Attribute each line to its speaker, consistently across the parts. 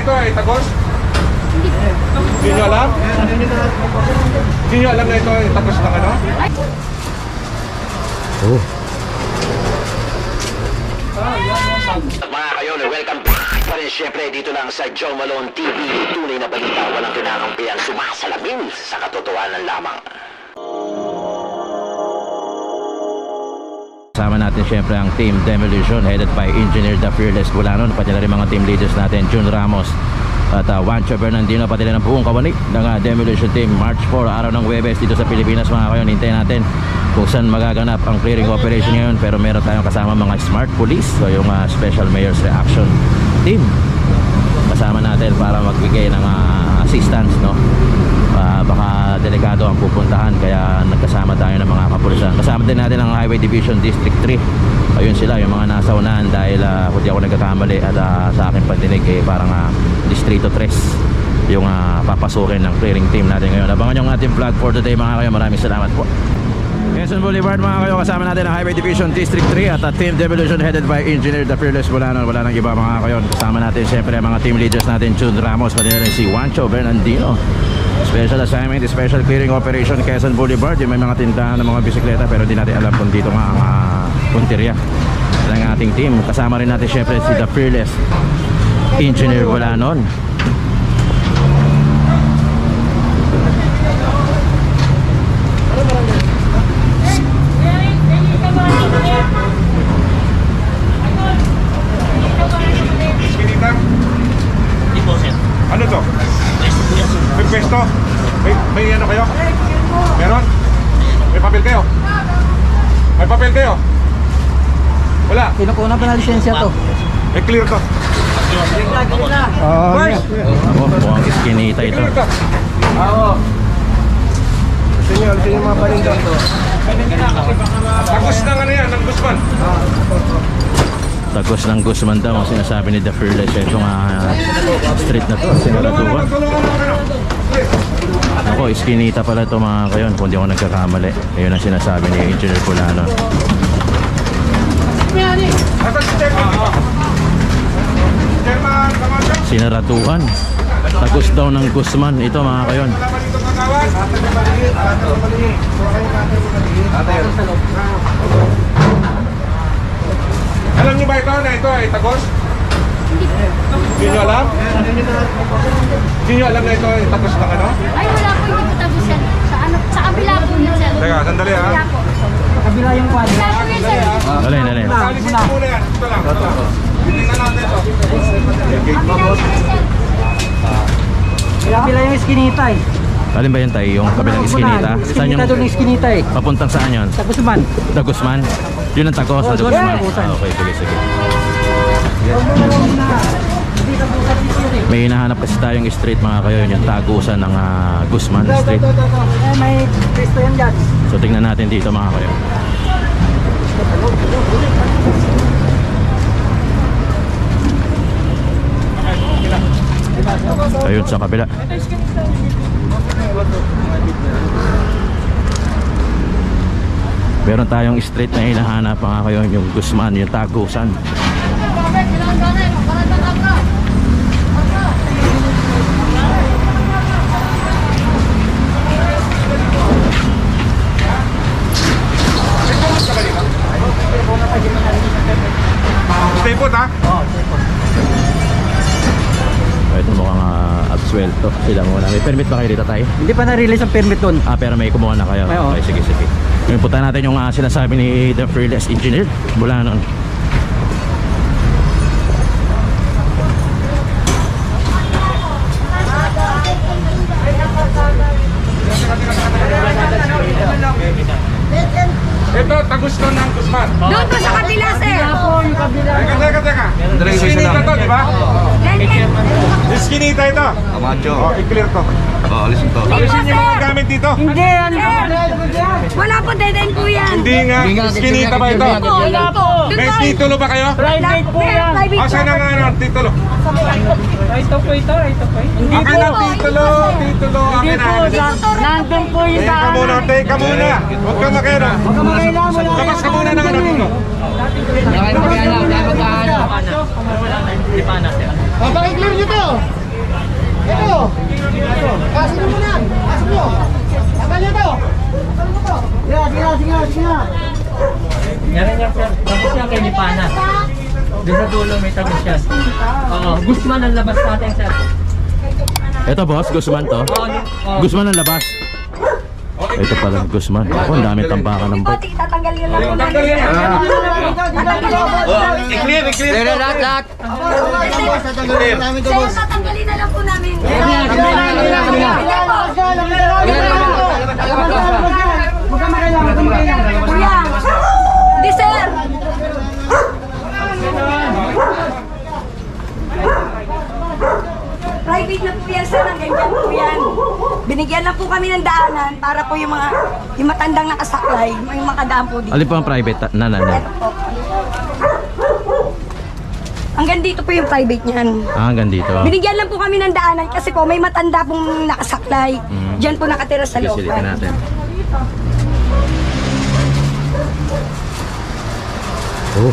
Speaker 1: ito ay tagos? Hindi nyo alam? Hindi nyo alam na ito ay tagos ng ano?
Speaker 2: Oh.
Speaker 3: Mga kayon, welcome back pa rin syempre dito lang sa Joe Malone TV. Tunay na balita, walang kinakampihan, sumasalamin sa katotohanan lamang.
Speaker 2: Kasama natin syempre ang Team Demolition headed by Engineer The Fearless Bulanon. Pati na rin mga team leaders natin, Jun Ramos at Juancho Bernardino, pati rin ang buong kawani ng Demolition Team. March 4, araw ng Huwebes dito sa Pilipinas mga kayon. Hintayin natin kung saan magaganap ang clearing operation ngayon. Pero meron tayong kasama mga smart police, so yung Special Mayor's Reaction Team kasama natin para magbigay ng assistance, no? Baka delikado ang pupuntahan, kaya nagkasama tayo ng mga kapulisan. Kasama din natin ang Highway Division District 3. Ayun sila, yung mga nasa unahan, dahil kung di ako nagkakamali at sa aking pandinig parang Distrito 3 yung papasukin ng clearing team natin ngayon. Abangan yung ating vlog for today mga kayo. Maraming salamat po. Quezon Boulevard mga kayo, kasama natin ang Highway Division District 3 at Team Demolition headed by Engineer The Fearless Bulanon. Wala nang iba mga kayo. Kasama natin siyempre ang mga team leaders natin, Jun Ramos, pati na rin si Juancho Bernardino. Special assignment, special clearing operation Quezon Boulevard. Yung may mga tindahan ng mga bisikleta pero hindi natin alam kung dito nga ang punteriya ng ating team. Kasama rin natin siyempre si The Fearless Engineer Bulanon.
Speaker 1: Ano to? May pwesto? May ano kayo? Meron? May papel kayo? May papel kayo? Wala?
Speaker 4: Kinukuha pa na lisensya to.
Speaker 1: May clear to? First!
Speaker 2: Ako, mukhang iskinita ito.
Speaker 1: Clear to?
Speaker 4: Oo. Gusto nyo mga palinda to.
Speaker 1: Tagos ng ano yan, ng Guzman.
Speaker 2: Tagos ng Guzman daw ang sinasabi ni The Fearless. Itong street na to, sinaratuhan. Ako, iskinita pala ito mga kayon, kung di ako nagkakamali. Ayun ang sinasabi ni Engineer Bulanon.
Speaker 1: Asan si Chairman? Chairman, Camacho?
Speaker 2: Sinaratuhan. Tagos daw ng Guzman ito mga kayon.
Speaker 1: Wala ba dito kagawan? Alam niyo ba ito na ito ay tagos? Hindi nyo alam? Hindi nyo alam na ito ay tagos ng ano?
Speaker 5: Ay, wala po, hindi po tapos yan. Sa kabila po yun, sir.
Speaker 1: Teka, sandali ha.
Speaker 5: Kabila po.
Speaker 4: Kabila yung kwan.
Speaker 5: Kabila po yun, sir.
Speaker 2: Dali, dali.
Speaker 1: Alisin mo muna yan. Ito lang. Tingnan natin ito.
Speaker 5: Kabila yun, sir.
Speaker 4: Kabila yung iskinita eh.
Speaker 2: Alin ba yan tayo? Yung kabilang iskinita? Saan
Speaker 4: Iskinita
Speaker 2: yung
Speaker 4: doon yung iskinita eh.
Speaker 2: papuntang saan yun?
Speaker 4: Sa Guzman.
Speaker 2: The Guzman? Yun ang tagos sa
Speaker 4: Oo,
Speaker 2: Guzman?
Speaker 4: doon.
Speaker 2: Okay, sige, sige.
Speaker 4: Hindi ka bukas dito eh.
Speaker 2: May hinahanap kasi tayong street mga kayo, yung tagusan ng Guzman Street.
Speaker 4: Eh, may Cristo yan dyan.
Speaker 2: So tingnan natin dito mga kayo. Ayun sa kabila. Meron tayong street na hinahanap mga kayo, yung Guzman, yung tagusan.
Speaker 1: Stay put ha?
Speaker 2: Ito mukhang absuelto sila muna. May permit ba kayo dito tayo?
Speaker 4: Hindi pa na-release ang permit doon.
Speaker 2: Pero may kumuha na kayo.
Speaker 4: Oo.
Speaker 2: Okay, sige, sige. Ngayon punta natin yung sinasabi ni The Fearless Engineer Bulanon.
Speaker 1: Ito, tagos to ng Guzman.
Speaker 5: Doon po sa kabila, sir.
Speaker 1: Teka. Iskinita to, di ba? Iskinita ito.
Speaker 6: Camacho.
Speaker 1: O, i-clear to.
Speaker 6: Alisin to.
Speaker 1: Alisin yung mga gamit dito.
Speaker 4: Hindi yan.
Speaker 5: Wala po, dead end po yan.
Speaker 1: Hindi nga, iskinita ba ito?
Speaker 5: Po, wala po.
Speaker 1: May titulo ba kayo?
Speaker 5: Private po yan.
Speaker 1: Asan ang ano, titulo?
Speaker 4: Ito po ito.
Speaker 1: Akin ang titulo. Akin na.
Speaker 4: Nandun po yung
Speaker 1: Teka muna. Huwag kang makera. Labas ka muna ng ano dito.
Speaker 4: Bakit clear nyo to?
Speaker 6: Kasin mo na! Kasin mo! Tanggal nyo to! Sige.
Speaker 4: Meron niya, sir. Tapos yan kay Lipana. Doon sa dulo may tapos yan. Oo, Guzman ang labas natin, sir.
Speaker 2: Ito boss, Guzman to. Guzman ang labas. Ito pala Guzman. Ako, ang daming tampakan ng bike.
Speaker 5: Tatanggalin lang po namin.
Speaker 1: I-clear.
Speaker 2: Lahat.
Speaker 5: Sir, tatanggalin na lang po namin. Kuya, di sir. Private na po yan, sir. Ang ganyan po yan. Binigyan lang po kami ng daanan para po yung matandang nakasaklay, yung makadaan po dito.
Speaker 2: Alin po ang private na?
Speaker 5: Ito po. Hanggang dito po yung private niyan.
Speaker 2: Hanggang dito.
Speaker 5: Binigyan lang po kami ng daanan kasi po may matanda pong nakasaklay. Diyan po nakatira sa loob.
Speaker 2: Sisilitin natin. Oh.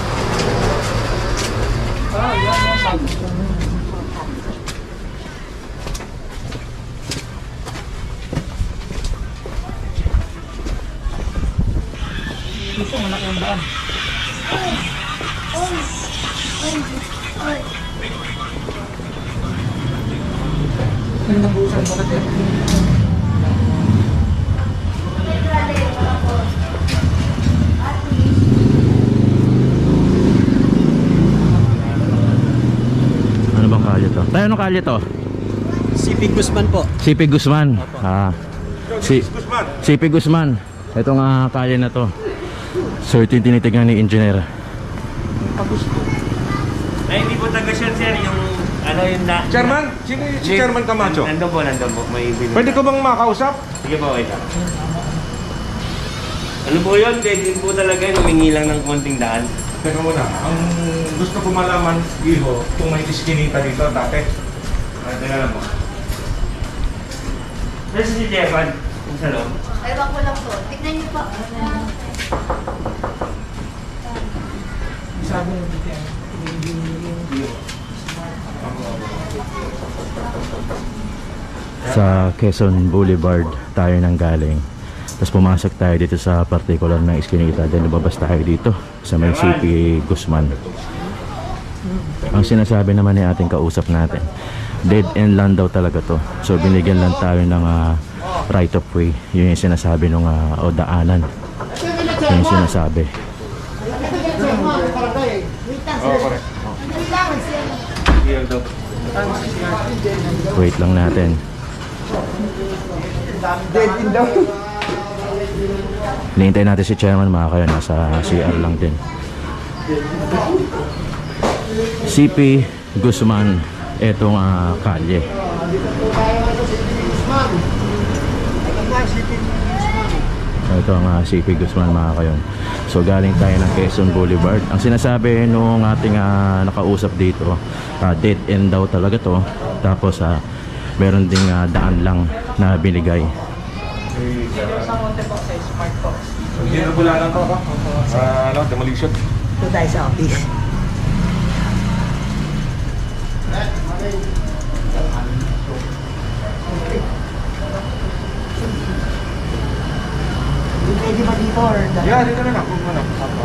Speaker 2: Ano bang kalye to? Tayo, anong kalye to?
Speaker 4: CP Guzman po.
Speaker 2: CP Guzman. CP Guzman. Itong kalye na to. So ito yung tinitignan ni engineer.
Speaker 7: Ay, hindi po taga siya, sir. Yung, ano yung na...
Speaker 1: Chairman? Sino si Chairman Camacho?
Speaker 7: Nandun po. May binigay.
Speaker 1: Pwede ko bang makausap?
Speaker 7: Sige po, wait lang. Ano po yun? Din po talaga yung humingi lang ng konting daan.
Speaker 1: Teka muna, ang gusto ko malaman, Iho, kung may iskinita dito dati. Teka lang mo.
Speaker 7: Nasa si Jefan, yung sa loob.
Speaker 5: Ewan ko lang po. Tignan niyo po.
Speaker 2: Sa Quezon Boulevard tayo nang galing. Tapos pumasok tayo dito sa particular na iskinita. Then lumabas tayo dito sa may CP Guzman. Ang sinasabi naman ni ating kausap natin, dead end lang daw talaga to. So binigyan lang tayo ng right of way. Yun yung sinasabi nung o daanan. Yun yung sinasabi.
Speaker 1: Oo, correct.
Speaker 2: Wait lang natin. Hinihintay natin si Chairman, mga kayo. Nasa CR lang din. CP Guzman. Etong kalye. Ito ang CP Guzman, mga kayon. So galing tayo ng Quezon Boulevard. Ang sinasabi nung ating nakausap dito, dead end daw talaga to. Tapos meron ding daan lang na binigay.
Speaker 1: Hindi na bula lang to ako. Demolition.
Speaker 6: Ito tayo sa office. Pwede ba dito or
Speaker 1: Yeah, dito na lang. Kung ano.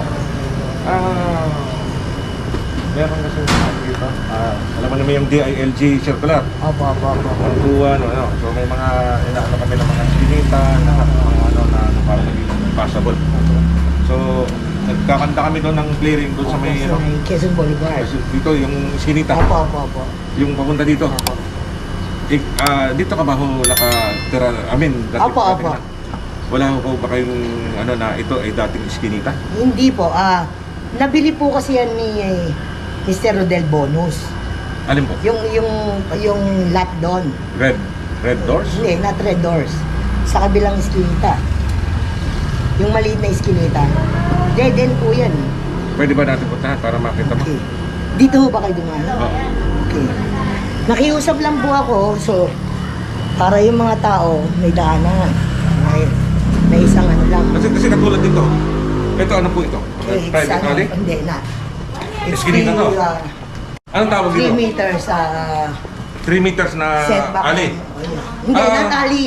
Speaker 1: Meron kasi dito. Alam mo naman yung DILG circular.
Speaker 6: Opo.
Speaker 1: Ang buwan, ano. So may mga inaano kami ng mga iskinita, mga ano na para maging passable. So nagkakanta kami doon ng clearing doon sa may
Speaker 6: Sa may Quezon Boulevard.
Speaker 1: dito yung iskinita.
Speaker 6: Opo.
Speaker 1: Yung papunta dito. Dito ka ba ho nakatira? Dati
Speaker 6: Opo.
Speaker 1: Wala ho ba kayong ano na ito ay dating iskinita?
Speaker 6: Hindi po. Nabili po kasi yan ni Mr. Rodel Bonus.
Speaker 1: Alin po?
Speaker 6: Yung lot doon.
Speaker 1: Red doors?
Speaker 6: Hindi, not red doors. Sa kabilang iskinita. Yung maliit na iskinita. Dead end po yan.
Speaker 1: Pwede ba natin puntahan para makita mo?
Speaker 6: Okay. Dito ho ba kayo dumaan?
Speaker 1: Oo.
Speaker 6: Okay. Nakiusap lang po ako. So, para yung mga tao may daanan. May isang ano lang.
Speaker 1: Kasi katulad dito. Ito ano po ito?
Speaker 6: Eh,
Speaker 1: Private
Speaker 6: sana-
Speaker 1: alley?
Speaker 6: Hindi na. It's
Speaker 1: Iskinita to?
Speaker 6: still,
Speaker 1: Anong tawag
Speaker 6: 3
Speaker 1: dito?
Speaker 6: meters
Speaker 1: 3 meters na
Speaker 6: setback.
Speaker 1: ali.
Speaker 6: Hindi,
Speaker 1: Ah.
Speaker 6: not ali.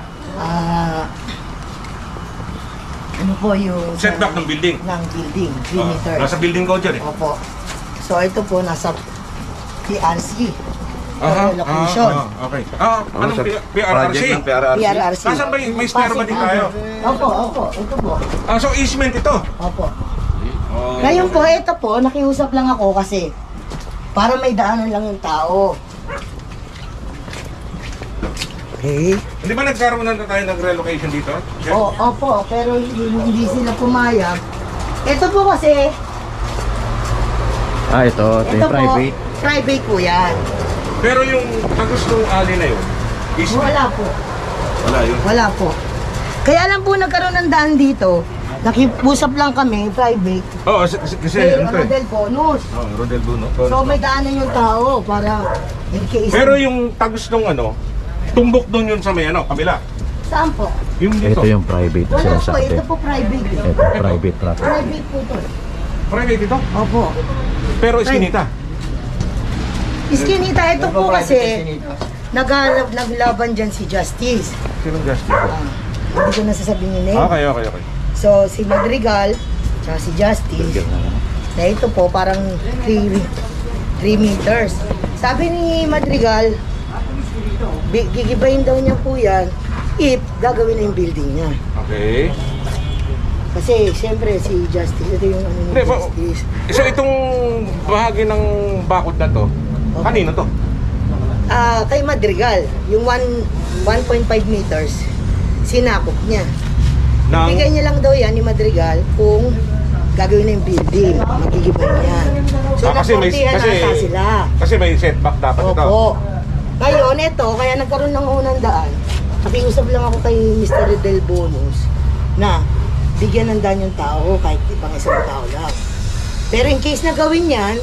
Speaker 6: Ano po yung...
Speaker 1: Setback ng building.
Speaker 6: Ng building, 3 meters.
Speaker 1: Nasa building code yan eh.
Speaker 6: Opo. So ito po, nasa PRC.
Speaker 1: Aha,
Speaker 6: Location.
Speaker 1: okay. Anong PRRC?
Speaker 6: PRRC.
Speaker 1: Nasaan ba may spare ba din tayo?
Speaker 6: Opo. Ito po.
Speaker 1: So easement ito.
Speaker 6: Opo. Ngayon po, ito po, nakiusap lang ako kasi para may daanan lang yung tao. Okay.
Speaker 1: Hindi ba nagkaroon na tayo ng relocation dito?
Speaker 6: Opo, pero hindi sila pumayag. Ito po kasi,
Speaker 2: Ito
Speaker 6: ito
Speaker 2: yung
Speaker 6: po,
Speaker 2: private.
Speaker 6: private po yan.
Speaker 1: Pero yung gustong ali na yun, easement.
Speaker 6: Wala po.
Speaker 1: Wala yun.
Speaker 6: Wala po. Kaya lang po nagkaroon ng daan dito. Nakipusap lang kami, private.
Speaker 1: Oo, kasi
Speaker 6: Kay
Speaker 1: ano to eh.
Speaker 6: Rodel Bonus.
Speaker 1: Rodel Bruno.
Speaker 6: So may daanan yung tao para in case.
Speaker 1: Pero yung tagos nung ano, tumbok doon yun sa may ano, kabila.
Speaker 6: Saan po?
Speaker 1: Yung dito.
Speaker 2: Ito yung private
Speaker 6: Wala po,
Speaker 2: sinasabi.
Speaker 6: ito po private.
Speaker 2: Ito, private property.
Speaker 6: Private po to.
Speaker 1: Private ito.
Speaker 6: Opo.
Speaker 1: Pero iskinita.
Speaker 6: Iskinita, ito po kasi naglaban dyan si Justice.
Speaker 1: Sinong justice?
Speaker 6: Hindi ko nasasabihin yung name.
Speaker 1: Okay.
Speaker 6: So si Madrigal, tsaka si Justice, na ito po parang 3 meters. Sabi ni Madrigal, gigibayin daw niya po yan if gagawin na yung building niya.
Speaker 1: Okay.
Speaker 6: Kasi siyempre si Justice, ito yung ano ni
Speaker 1: Hindi,
Speaker 6: Justice.
Speaker 1: So itong bahagi ng bakod na to, kanino to?
Speaker 6: Kay Madrigal, yung 1.5 meters, sinakop niya. Bigay niya lang daw yan ni Madrigal kung gagawin na yung building, magigibay niya. So nakortihan ata sila.
Speaker 1: Kasi may setback dapat ito.
Speaker 6: Opo. Ngayon, ito, kaya nagkaroon ng unang daan. Nakiusap lang ako kay Mr. Del Bonus na bigyan ng daan yung tao kahit ibang isang tao lang. Pero in case na gawin yan,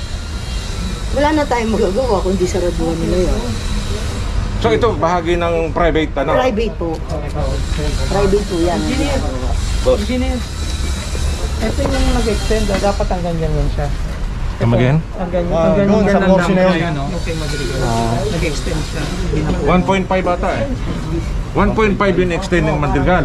Speaker 6: wala na tayong magagawa kundi saraduhan nila yun.
Speaker 1: So ito bahagi ng private ano?
Speaker 6: Private po. Private po yan.
Speaker 4: Engineer, ito yung nag-extend, dapat ang ganyan lang siya.
Speaker 1: Come again?
Speaker 4: Ang ganyan lang lang. Yung kay Madrigal. Nag-extend siya.
Speaker 1: 1.5 ata eh. 1.5 yung extend ng Madrigal.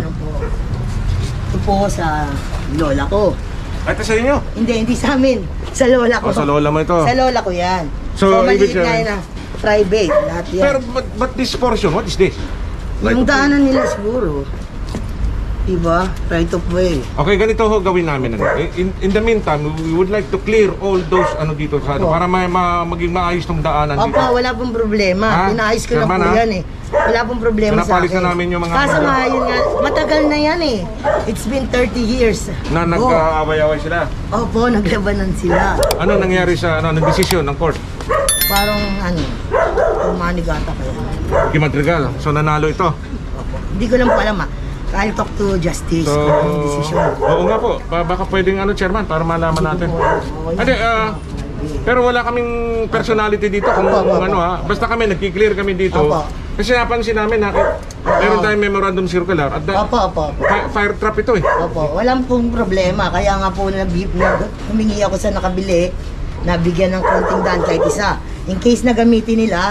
Speaker 6: Ito po sa lola ko.
Speaker 1: Ito sa inyo?
Speaker 6: Hindi sa amin. Sa lola ko.
Speaker 1: O, sa lola mo ito.
Speaker 6: Sa lola ko yan.
Speaker 1: So,
Speaker 6: maliit
Speaker 1: ibig
Speaker 6: nga
Speaker 1: sabihin-
Speaker 6: yun na private. Lahat yan.
Speaker 1: Pero but this portion, what is this?
Speaker 6: Yung daanan nila siguro. Diba? Right of way.
Speaker 1: Okay, ganito ho gawin namin. Ano. In the meantime, we would like to clear all those ano dito sa ano,
Speaker 6: Opo.
Speaker 1: para maging maayos tong daanan dito.
Speaker 6: Opo, wala pong problema.
Speaker 1: Ha?
Speaker 6: Pinaayos ko na
Speaker 1: Chairman,
Speaker 6: po
Speaker 1: ha?
Speaker 6: yan eh. Wala pong problema sa
Speaker 1: Pinapalis
Speaker 6: akin.
Speaker 1: na namin yung mga-
Speaker 6: Kaso nga, yun nga, matagal na yan eh. It's been 30 years.
Speaker 1: Na
Speaker 6: Oh.
Speaker 1: nag-aaway-away sila.
Speaker 6: Opo, naglabanan sila.
Speaker 1: Ano nangyari sa ng desisyon ng court?
Speaker 6: Parang ano, pumanigata kaya.
Speaker 1: Kay Madrigal. So nanalo ito.
Speaker 6: Hindi ko lang po alam ah. I'll talk to Justice
Speaker 1: So,
Speaker 6: kung anong desisyon.
Speaker 1: oo nga po. Baka pwedeng ano, chairman, para malaman natin. Hindi, pero wala kaming personality dito kung
Speaker 6: Opo, opo.
Speaker 1: ano ha. Basta kami, nagki-clear kami dito.
Speaker 6: Opo.
Speaker 1: Kasi napansin namin, meron tayong memorandum circular. At
Speaker 6: Opo.
Speaker 1: fire trap ito eh.
Speaker 6: Opo, walang pong problema. Kaya nga po humingi ako sa nakabili na bigyan ng konting daan kahit isa. In case na gamitin nila,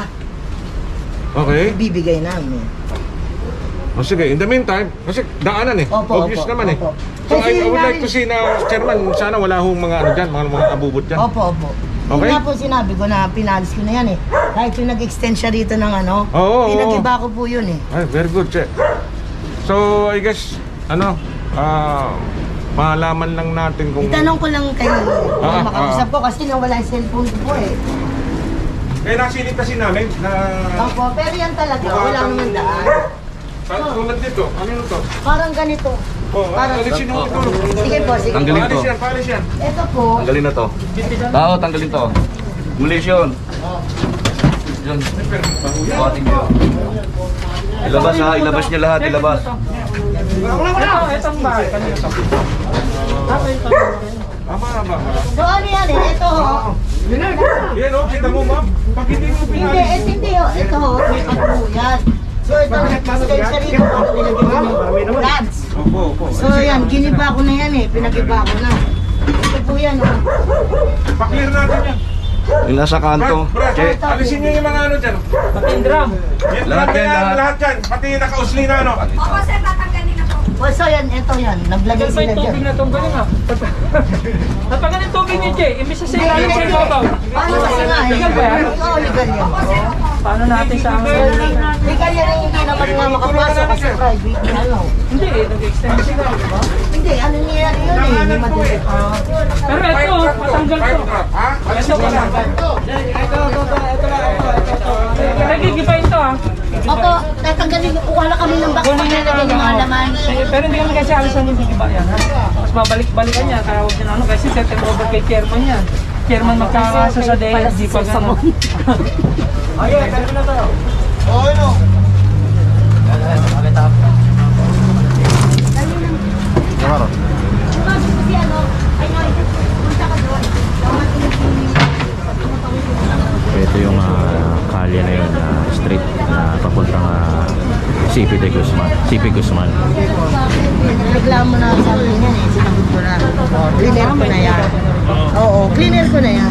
Speaker 1: Okay.
Speaker 6: ibibigay namin.
Speaker 1: O sige, in the meantime, kasi daanan eh.
Speaker 6: Opo,
Speaker 1: Obvious
Speaker 6: opo,
Speaker 1: naman eh.
Speaker 6: opo.
Speaker 1: So
Speaker 6: Kasi
Speaker 1: I would like
Speaker 6: namin-
Speaker 1: to see na, chairman, sana wala hong mga ano dyan, mga abubot dyan.
Speaker 6: Opo.
Speaker 1: Okay.
Speaker 6: Yun nga po sinabi ko na pinalis ko na yan eh. Kahit yung nag-extend siya rito ng ano,
Speaker 1: Oo,
Speaker 6: pinag-iba ko po yun eh.
Speaker 1: Ay, very good, che. So, I guess, malaman lang natin kung...
Speaker 6: Itanong ko lang kay makausap ko kasi nawala yung cellphone ko po eh.
Speaker 1: Eh, nasilip kasi namin na...
Speaker 6: Opo, pero yan talaga, wala naman daan.
Speaker 1: Tulad dito, ano yun to?
Speaker 6: Parang ganito.
Speaker 1: Oh,
Speaker 6: Parang,
Speaker 1: alisin mo ito.
Speaker 6: sige po, sige.
Speaker 2: Tanggalin to.
Speaker 1: Palis yan.
Speaker 6: Ito po,
Speaker 2: Tanggalin na to. Oo, tanggalin to. Demolition. Yun. Buhatin nyo. Ilabas ha, ilabas niya lahat, ilabas.
Speaker 4: Itong bahay, kanina to.
Speaker 1: Tama.
Speaker 6: so ano yan eh, ito ho.
Speaker 1: Yan o, kita mo ma'am. Pag hindi mo
Speaker 6: Hindi,
Speaker 1: pinalis.
Speaker 6: hindi ho. Ito ho, may pagbuo yan. So ito, extension rito, para nilagyan mo ng rods.
Speaker 1: Opo.
Speaker 6: So yan, giniba ko na yan eh, pinag-iba ko na. Ito po yan oh.
Speaker 1: Pa-clear natin yan. Yung nasa kanto. Che, alisin niyo yung mga ano dyan.
Speaker 4: Pati yung drum.
Speaker 1: Lahat yan, lahat yan. Pati yung nakausli na ano.
Speaker 5: Opo, sir, tatanggalin na po.
Speaker 6: So yan, ito yan. Naglagay
Speaker 4: Sir,
Speaker 6: sila
Speaker 4: may tubig
Speaker 6: dyan.
Speaker 4: na itong galing ah. Napagan yung tubig niyo, Che. Imbis na sa ilalim sa ibabaw.
Speaker 6: Paano kasi nga eh?
Speaker 4: Legal ba yan?
Speaker 6: Oo, legal yan.
Speaker 4: Paano natin sa amin?
Speaker 6: Legal yan ang hindi naman nga makapasok kasi private na ano.
Speaker 4: Hindi eh, nag-extend sila, di ba?
Speaker 6: Hindi, ano niya yun eh. Hindi madali.
Speaker 4: Pero ito, matanggal to.
Speaker 1: Ha?
Speaker 4: Ito, matanggal. Nagigibayin to ah.
Speaker 8: Opo, tatanggalin ko. Kuha na kami ng box pag nalagyan ng mga laman.
Speaker 4: Pero hindi kami kasi alisan yung gigiba yan ha. Mas babalik-balikan niya, kaya huwag niya na ano. Kasi settle over kay chairman yan. Chairman magkakaso sa DSG pag ano. Okay, kaya na to.
Speaker 1: Oo, no.
Speaker 8: Kasi ano, ay no, punta ka doon.
Speaker 2: Ito yung kalye na yun, street na papuntang CP de Guzman. CP Guzman.
Speaker 6: Reklamo na sa akin yan eh. Sinagot ko na. Cleaner ko na yan. Oo, cleaner ko na yan.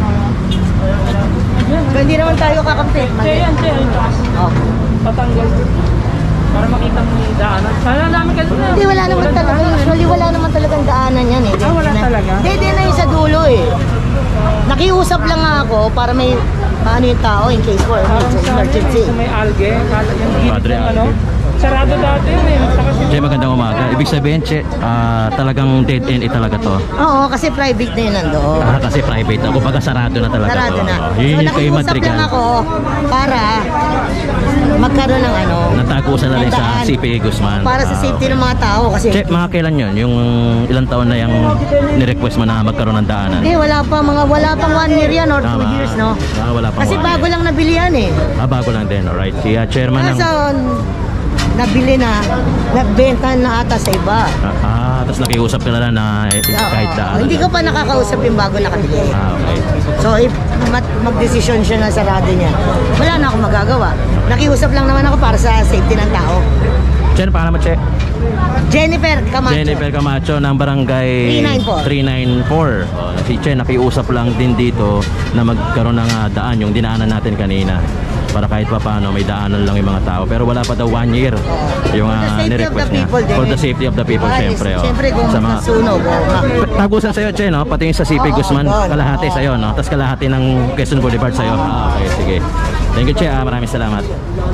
Speaker 6: Pero hindi naman tayo kakampi.
Speaker 4: Che yan, Che. Yung taas.
Speaker 6: Okay.
Speaker 4: Patanggal. Para makita mo yung daanan. Sana namin ka doon.
Speaker 6: Hindi, wala naman talaga. Usually, wala naman talagang daanan yan eh.
Speaker 4: Ah, wala talaga?
Speaker 6: Hindi na yung sa dulo eh. Nakiusap lang nga ako para may paano yung tao in case for emergency.
Speaker 4: Sa may algae. Yung gilid
Speaker 2: Padre
Speaker 4: ng ano.
Speaker 2: algae.
Speaker 4: Sarado dati yun eh. Saka
Speaker 2: Che, magandang umaga. Ibig sabihin, Che, talagang dead end talaga to.
Speaker 6: Oo, kasi private na yun nandoon.
Speaker 2: Kasi private ako, baga sarado na talaga
Speaker 6: Sarado
Speaker 2: to.
Speaker 6: na.
Speaker 2: Yun yung kay
Speaker 6: nakiusap
Speaker 2: Madrigal.
Speaker 6: lang ako para magkaroon ng ano.
Speaker 2: Natagusan na rin sa
Speaker 6: daan.
Speaker 2: CP Guzman.
Speaker 6: Para sa safety
Speaker 2: okay.
Speaker 6: ng mga tao kasi.
Speaker 2: Che, mga kailan yun? Yung ilang taon na yung ni-request mo na magkaroon ng daanan?
Speaker 6: Hindi, wala pang 1 year yan or 2
Speaker 2: Tama.
Speaker 6: years, no?
Speaker 2: Wala pang
Speaker 6: Kasi
Speaker 2: 1
Speaker 6: bago
Speaker 2: year.
Speaker 6: lang nabili yan eh.
Speaker 2: Bago lang din, alright. Si chairman ng...
Speaker 6: Kaso, nabili na, nagbenta na ata sa iba.
Speaker 2: Tapos nakiusap ka na lang na kahit
Speaker 6: Oo.
Speaker 2: daanan.
Speaker 6: Hindi ko pa nakakausap yung bago nakabili.
Speaker 2: Okay.
Speaker 6: So, if mag-desisyon siya na sarado niya, wala na akong magagawa. Nakiusap lang naman ako para sa safety ng tao.
Speaker 2: Che, paano mo, Che?
Speaker 6: Jennifer Camacho.
Speaker 2: Jennifer Camacho ng barangay 394.
Speaker 6: 394.
Speaker 2: Si Che nakiusap lang din dito na magkaroon ng daan yung dinaanan natin kanina para kahit pa paano may daanan lang yung mga tao pero wala pa daw 1 year yung
Speaker 6: For the safety of the
Speaker 2: nirequest niya
Speaker 6: people din.
Speaker 2: for the safety of the people syempre
Speaker 6: Siyempre kung
Speaker 2: sa mga
Speaker 6: masunog
Speaker 2: tagusan sa'yo Che no pati yung sa CP
Speaker 6: Oo,
Speaker 2: Guzman
Speaker 6: doon.
Speaker 2: kalahati
Speaker 6: Oo.
Speaker 2: sa'yo no tapos kalahati ng Quezon Boulevard sa'yo okay sige thank you Che maraming salamat.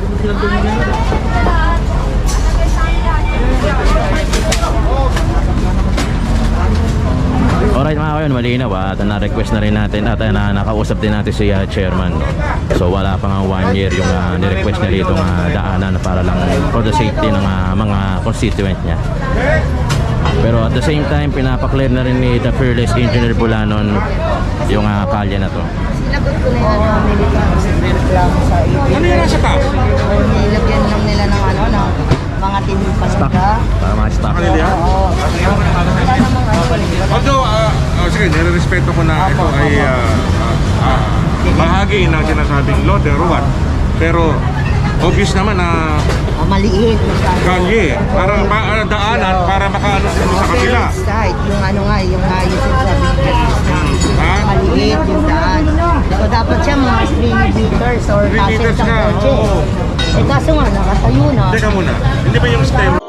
Speaker 2: Alright mga kayon, malinaw at na-request na rin natin at nakausap din natin si chairman no? So wala pa nga 1 year yung ni-request niya dito daanan para lang for the safety ng mga constituent niya. Pero at the same time, pinapaklear na rin ni the fearless engineer Bulanon yung kalye na to.
Speaker 6: Sinagot ko na yan na militar may reklamo sa iyo.
Speaker 1: Ano yung nasa taas?
Speaker 6: Nilagyan lang nila ng ano, ng mga
Speaker 2: Stock.
Speaker 6: tinipasika.
Speaker 2: Para mga stock.
Speaker 1: Ano yan?
Speaker 6: Oo. Wala namang ano.
Speaker 1: Although, sige, nire-respeto ko na ito ay bahagi ng sinasabing loader or what. Pero, obvious naman na
Speaker 6: Maliit.
Speaker 1: kalye, para daanan, para makaano sa kabila.
Speaker 6: Side, yung ano nga, yung sinasabi
Speaker 1: Ha?
Speaker 6: maliit yung daan. So dapat siya mga 3 meters or
Speaker 1: 3 meters
Speaker 6: sa
Speaker 1: na,
Speaker 6: kotse.
Speaker 1: oo.
Speaker 6: Eh kaso nga, nakatayo na.
Speaker 1: Teka muna, hindi ba yung stem